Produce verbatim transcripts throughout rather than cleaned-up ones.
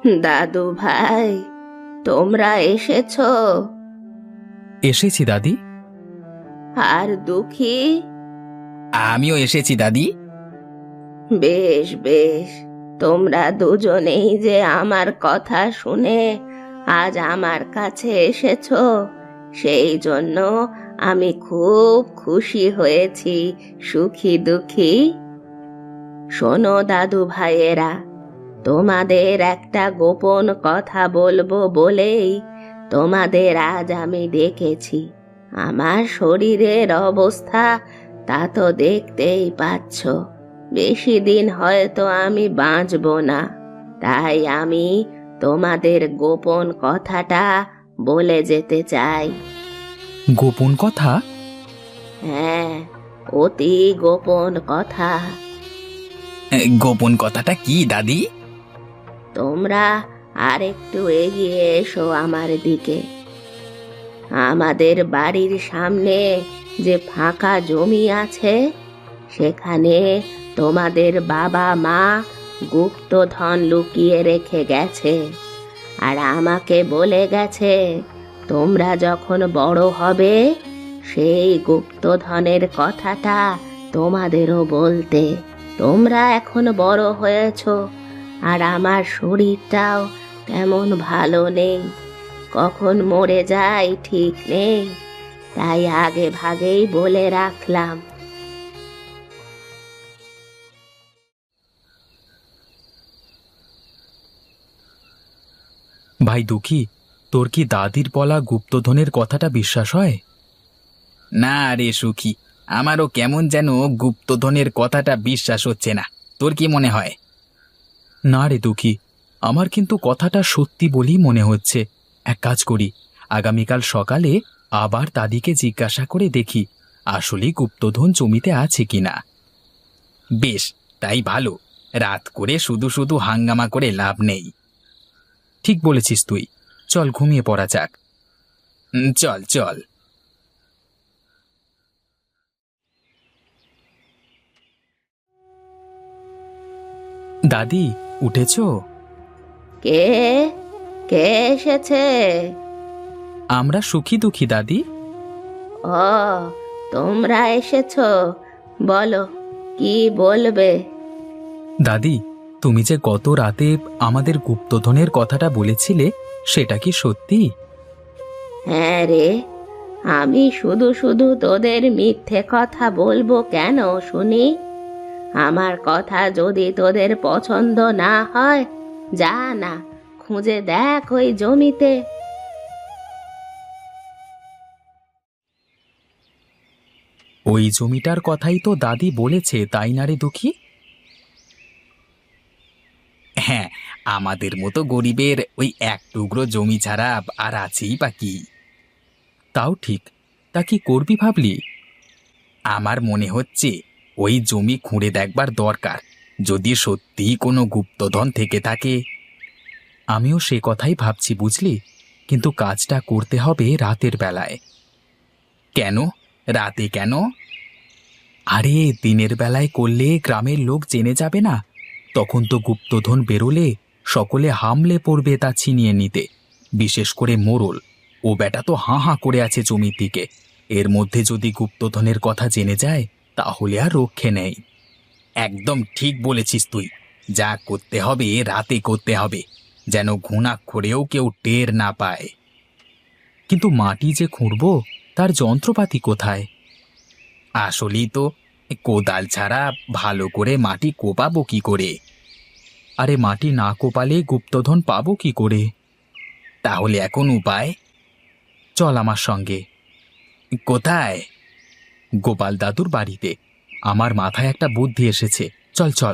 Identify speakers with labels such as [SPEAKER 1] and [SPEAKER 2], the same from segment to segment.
[SPEAKER 1] দাদু ভাই, তোমরা এসেছো?
[SPEAKER 2] এসেছি দাদি।
[SPEAKER 1] আর দুঃখী?
[SPEAKER 2] আমিও এসেছি দাদি।
[SPEAKER 1] বেশ বেশ, তোমরা দুজনেই যে আমার কথা শুনে আজ আমার কাছে এসেছো, সেই জন্য আমি খুব খুশি হয়েছি। সুখী দুঃখী, শোনো দাদু ভাইয়েরা, তোমাদের একটা গোপন কথা বলবো বলেই তোমাদের আজ আমি ডেকেছি। আমার শরীরের অবস্থা তা তো দেখতেই পাচ্ছ, বেশি দিন হয়তো আমি বাঁচবো না। তাই আমি তোমাদের গোপন কথাটা বলে যেতে চাই।
[SPEAKER 2] গোপন কথা?
[SPEAKER 1] হ্যাঁ, অতি গোপন কথা।
[SPEAKER 2] এ, গোপন কথাটা কি দাদি?
[SPEAKER 1] তোমরা আর একটু এগিয়ে এসো আমার দিকে। আমাদের বাড়ির সামনে যে ফাঁকা জমি আছে, সেখানে তোমাদের বাবা মা গুপ্তধন লুকিয়ে রেখে গেছে। আর আমাকে বলে গেছে তোমরা যখন বড় হবে সেই গুপ্তধনের কথাটা তোমাদেরও বলতে। তোমরা এখন বড় হয়েছো, আর আমার শরীরটাও তেমন ভালো নেই, কখন মরে যাই ঠিক নেই, তাই আগে ভাগেই বলে রাখলাম।
[SPEAKER 2] ভাই দুঃখী, তোর কি দাদির বলা গুপ্তধনের কথাটা বিশ্বাস হয়? না রে সুখী, আমারও কেমন যেন গুপ্তধনের কথাটা বিশ্বাস হচ্ছে না। তোর কি মনে হয়? না রে দুঃখী, আমার কিন্তু কথাটা সত্যি বলেই মনে হচ্ছে। এক কাজ করি, আগামীকাল সকালে আবার দাদিকে জিজ্ঞাসা করে দেখি আসলেই গুপ্তধন জমিতে আছে কিনা। বেশ, তাই ভালো। রাত করে শুধু শুধু হাঙ্গামা করে লাভ নেই। ঠিক বলেছিস তুই। চল ঘুমিয়ে পড়া যাক। উম, চল চল। দাদি, উঠেছো?
[SPEAKER 1] কে কে এসেছে?
[SPEAKER 2] আমরা সুখী দুঃখী দাদি।
[SPEAKER 1] ও, তোমরা এসেছো, বলো কি বলবে।
[SPEAKER 2] দাদি, তুমি যে গত রাতে আমাদের গুপ্তধনের কথাটা বলেছিলে, সেটা কি সত্যি?
[SPEAKER 1] হ্যাঁ রে, আমি শুধু শুধু তোদের মিথ্যে কথা বলবো কেন শুনি? আমার কথা যদি তোদের পছন্দ না হয়, যা না, খুঁজে দেখ ওই জমিতে।
[SPEAKER 2] ওই জমিটার কথাই তো দাদি বলেছে, তাই না রে দুঃখী? হ্যাঁ, আমাদের মতো গরিবের ওই এক টুকরো জমি ছাড়া আর আছেই বা কি? তাও ঠিক। তা কি করবি ভাবলি? আমার মনে হচ্ছে ওই জমি খুঁড়ে দেখবার দরকার, যদি সত্যিই কোনো গুপ্তধন থেকে থাকে। আমিও সে কথাই ভাবছি বুঝলি, কিন্তু কাজটা করতে হবে রাতের বেলায়। কেন রাতে কেন? আরে দিনের বেলায় করলে গ্রামের লোক জেনে যাবে না, তখন তো গুপ্তধন বেরোলে সকলে হামলে পড়বে তা ছিনিয়ে নিতে। বিশেষ করে মোড়ল, ও বেটা তো হাঁ হাঁ করে আছে জমির দিকে। এর মধ্যে যদি গুপ্তধনের কথা জেনে যায়, তাহলে আর রক্ষে নেই। একদম ঠিক বলেছিস তুই। যা করতে হবে রাতে করতে হবে, যেন ঘুণাক্ষরেও কেউ টের না পায়। কিন্তু মাটি যে খুঁড়ব, তার যন্ত্রপাতি কোথায়? আসলেই তো, কোদাল ছাড়া ভালো করে মাটি কোপাবো কি করে? আরে মাটি না কোপালে গুপ্তধন পাবো কি করে? তাহলে এখন উপায়? চল আমার সঙ্গে। কোথায়? গোপাল দাদুর বাড়িতে। আমার মাথায় একটা বুদ্ধি এসেছে, চল চল।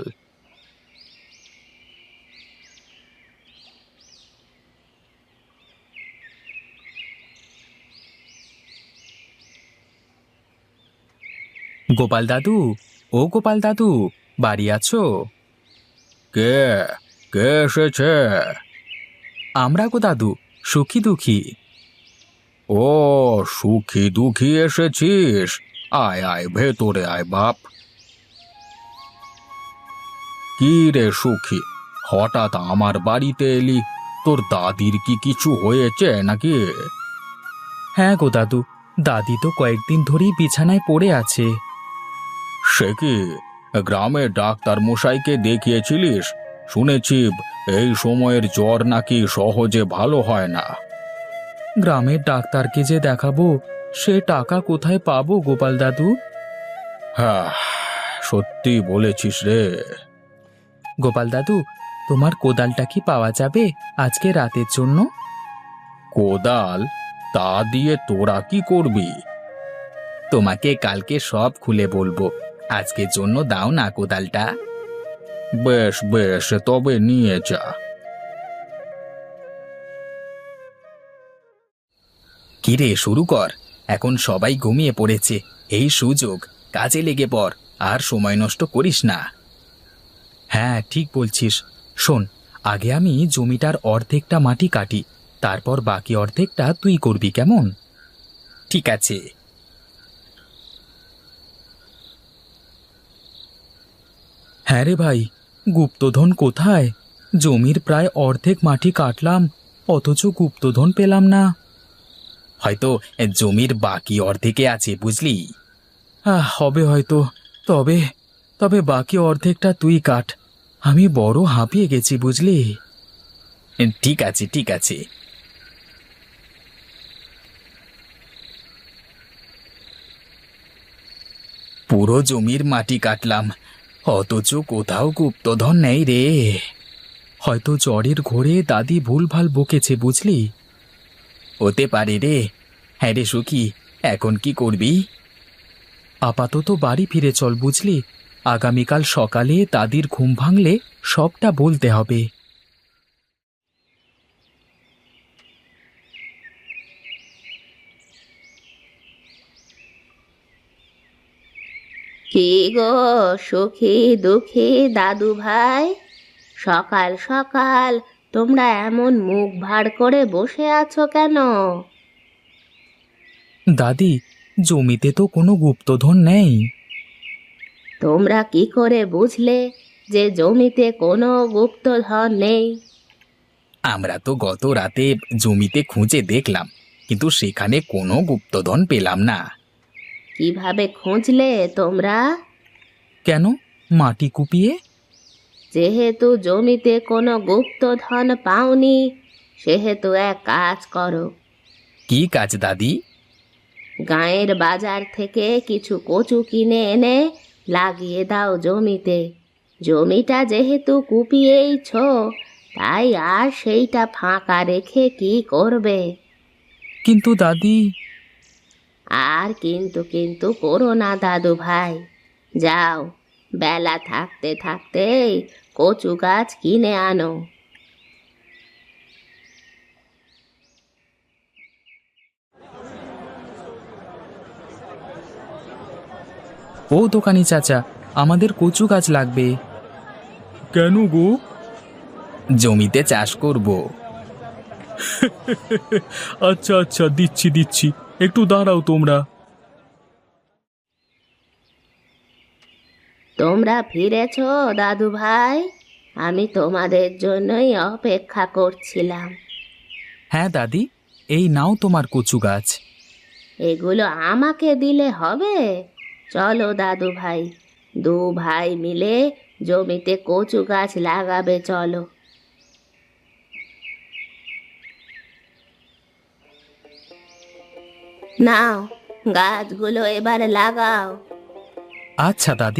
[SPEAKER 2] গোপাল দাদু, ও গোপাল দাদু, বাড়ি আছো? কে কে এসেছে? আমরা গো দাদু, সুখী দুঃখী। ও, সুখী দুঃখী এসেছিস? আয় আয়, ভেতরে আয় বাপ। কি রে সুখী, হঠাৎ আমার বাড়িতে এলি? তোর দাদির কি কিছু হয়েছে নাকি? হ্যাঁ গো দাদু, দাদি তো কয়েকদিন ধরেই বিছানায় পড়ে আছে। সে কি, গ্রামের ডাক্তার মশাইকে দেখিয়েছিলিস? শুনেছি এই সময়ের জ্বর নাকি সহজে ভালো হয় না। গ্রামের ডাক্তারকে যে দেখাবো, সে টাকা কোথায় পাবো গোপাল দাদু? হ্যাঁ, সত্যি বলেছিস রে। গোপাল দাদু, তোমার কোদালটা কি পাওয়া যাবে আজকে রাতের জন্য? কোদাল? তা দিয়ে তোরা কি করবি? তোমাকে কালকে সব খুলে বলবো, আজকের জন্য দাও না কোদালটা। বেশ বেশ, তবে নিয়ে যা। কিরে, শুরু কর। এখন সবাই ঘুমিয়ে পড়েছে, এই সুযোগ, কাজে লেগে পড়, আর সময় নষ্ট করিস না। হ্যাঁ ঠিক বলছিস। শোন, আগে আমি জমিটার অর্ধেকটা মাটি কাটি, তারপর বাকি অর্ধেকটা তুই করবি, কেমন? ঠিক আছে। হ্যাঁ রে ভাই, গুপ্তধন কোথায়? জমির প্রায় অর্ধেক মাটি কাটলাম, অথচ গুপ্তধন পেলাম না। হয়তো জমির বাকি অর্ধেকে আছে, বুঝলি? আহ, হবে হয়তো। তবে তবে বাকি অর্ধেকটা তুই কাট, আমি বড় হাঁপিয়ে গেছি, বুঝলি? ঠিক আছে ঠিক আছে। পুরো জমির মাটি কাটলাম, অথচ কোথাও গুপ্তধন নেই রে। হয়তো জ্বরের ঘোরে দাদি ভুলভাল বকেছে, বুঝলি? হতে পারে রে। হ্যাঁ রে সুখী, এখন কি করবি? আপাতত বাড়ি ফিরে চল, বুঝলি? আগামীকাল সকালে দাদির ঘুম ভাঙলে সবটা বলতে হবে।
[SPEAKER 1] কি গো সুখী দুঃখী দাদু ভাই, সকাল সকাল তোমরা এমন মুখ ভার করে বসে আছো কেন?
[SPEAKER 2] দাদি, জমিতে তো কোনো গুপ্তধন নেই।
[SPEAKER 1] তোমরা কি করে বুঝলে যে জমিতে কোনো গুপ্তধন নেই?
[SPEAKER 2] আমরা তো গত রাতে জমিতে খুঁজে দেখলাম, কিন্তু সেখানে কোনো গুপ্তধন পেলাম না।
[SPEAKER 1] কিভাবে খুঁজলে তোমরা?
[SPEAKER 2] কেন, মাটি কুপিয়ে?
[SPEAKER 1] যেহেতু জমিতে কোনো গুপ্তধন পাওনি, সেহেতু এক কাজ করো।
[SPEAKER 2] কি কাজ দাদি?
[SPEAKER 1] গাঁয়ের বাজার থেকে কিছু কচু কিনে এনে লাগিয়ে দাও জমিতে। জমিটা যেহেতু কুপিয়েইছ, তাই আর সেইটা ফাঁকা রেখে কি করবে?
[SPEAKER 2] কিন্তু দাদি।
[SPEAKER 1] আর কিন্তু কিন্তু করো না দাদু ভাই, যাও, বেলা থাকতে থাকতেই কচু গাছ কিনে আনো।
[SPEAKER 2] ও দোকানি চাচা, আমাদের কচু গাছ লাগবে। কেন গো? জমিতে চাষ করব। আচ্ছা আচ্ছা, দিচ্ছি দিচ্ছি, একটু দাঁড়াও তোমরা।
[SPEAKER 1] তোমরা ফিরেছ দাদু ভাই? আমি তোমাদের জন্যই অপেক্ষা করছিলাম।
[SPEAKER 2] হ্যাঁ দাদি, এই নাও তোমার কচু গাছ।
[SPEAKER 1] এগুলো আমাকে দিলে হবে? চলো দাদু ভাই, দু ভাই মিলে জমিতে কচু গাছ লাগাবে, চলো। নাও, গাছগুলো এবার লাগাও।
[SPEAKER 2] আচ্ছা দাদি।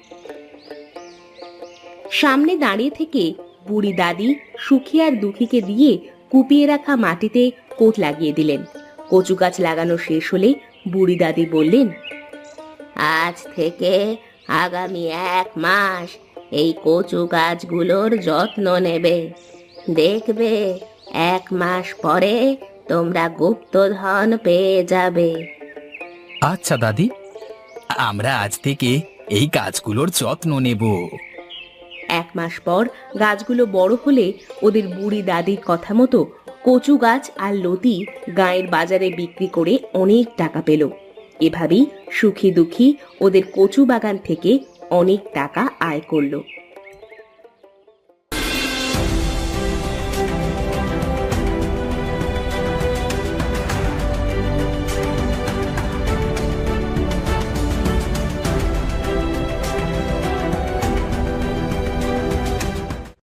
[SPEAKER 1] সামনে দাঁড়িয়ে থেকে বুড়ি দাদি সুখী আর দুঃখীকে দিয়ে কুপিয়ে রাখা মাটিতে কোট লাগিয়ে দিলেন। কচু গাছ লাগানো শেষ হলে বুড়ি দাদি বললেন, আজ থেকে আগামী এক মাস এই কচু গাছগুলোর যত্ন নেবে। দেখবে এক মাস পরে তোমরা গুপ্তধন পেয়ে যাবে।
[SPEAKER 2] আচ্ছা দাদি, আমরা আজ থেকে এই গাছগুলোর যত্ন নেব।
[SPEAKER 1] এক মাস পর গাছগুলো বড় হলে ওদের বুড়ি দাদির কথা মতো কচু গাছ আর লতি গাঁয়ের বাজারে বিক্রি করে অনেক টাকা পেল। এভাবেই সুখী দুঃখী ওদের কচু বাগান থেকে অনেক টাকা আয় করলো।